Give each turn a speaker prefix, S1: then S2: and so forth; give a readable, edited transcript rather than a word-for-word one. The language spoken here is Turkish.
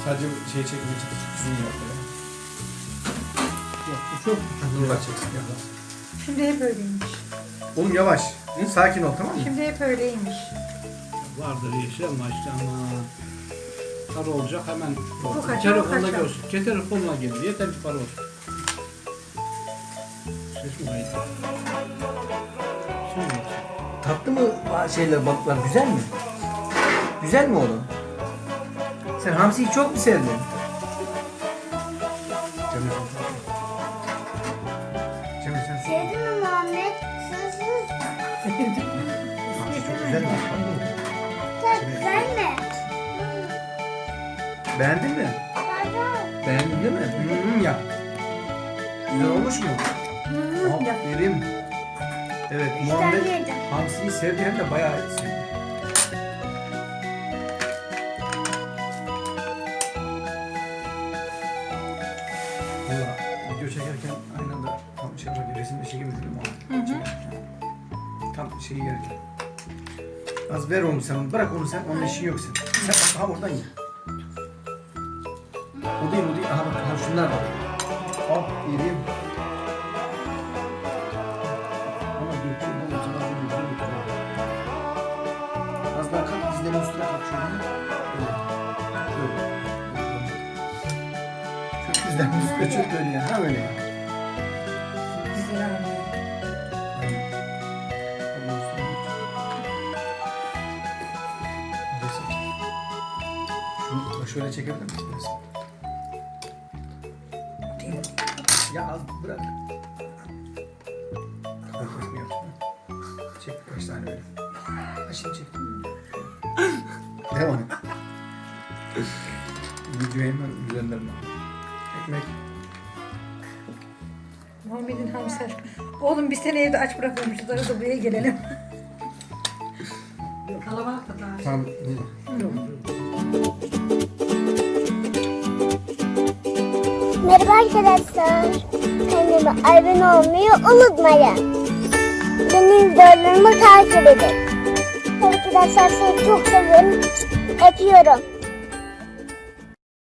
S1: Sadece şey çekmeye çalıştık. Zoom yapmaya.
S2: Yok bu çok
S1: Zoom'lar çeksin ya.
S3: Şimdi hep öyleymiş.
S1: Oğlum yavaş. Sakin ol, tamam mı?
S3: Şimdi hep öyleymiş.
S2: vardır yeşil ama işte ama para olacak hemen
S3: Bu kaçar,
S2: telefonla
S3: bu kaçar.
S2: görsün. Telefonla geldi. Yeter ki para olsun. Ses mi kayıt? Şimdi
S4: Tatlı mı şeyler, balıklar güzel mi? Güzel mi oğlum? Sen hamsiyi çok mu sevdin?
S1: Cemil sen
S5: Sevdin mi Muhammed? Sızsız.
S1: hamsi çok güzel mi?
S5: Çok güzel mi?
S1: Beğendin mi?
S5: Baba.
S1: Beğendin değil mi? Ya. Güzel olmuş mu? Aferin. Evet, Muhammed
S5: yedim.
S1: hamsiyi sevdi, hem de bayağı sevdi. Valla video çekerken aynı anda tam şey yaparken, resimde şey gibi dedim ama. Tam şeyi yerken. Az ver onu sen, bırak onu sen, onun işin yok sen. Sen aha oradan ye. O değil, o değil. Aha bak, aha şunlar var. Aferin. Ama döküyorum oğlum, sana bunu döküyorum. Az daha kalk, dizlerin üstüne kalk şöyle. Böyle. Çok dizlerin üstüne çok öyle ya. Ha öyle ya.
S3: Güzel abi.
S1: Aynen. Allah'ın üstüne geç. Resim. Şunu şöyle çekebilir misin resim? Ya az bırak. Korkmasını yap. Çek birkaç tane böyle. Ha şimdi çek. Devam et. Videoyu hemen üzerinden bak. Ekmek.
S3: Muhammed'in hamsi aşkı. Oğlum biz seni evde aç bırakmamışız. Arada buraya gelelim. Kalabalık da daha.
S1: Tamam.
S5: Merhaba arkadaşlar. Kanalıma abone olmayı unutmayın. Benim videolarımı takip edin. Arkadaşlar sizi çok seviyorum. Öpüyorum.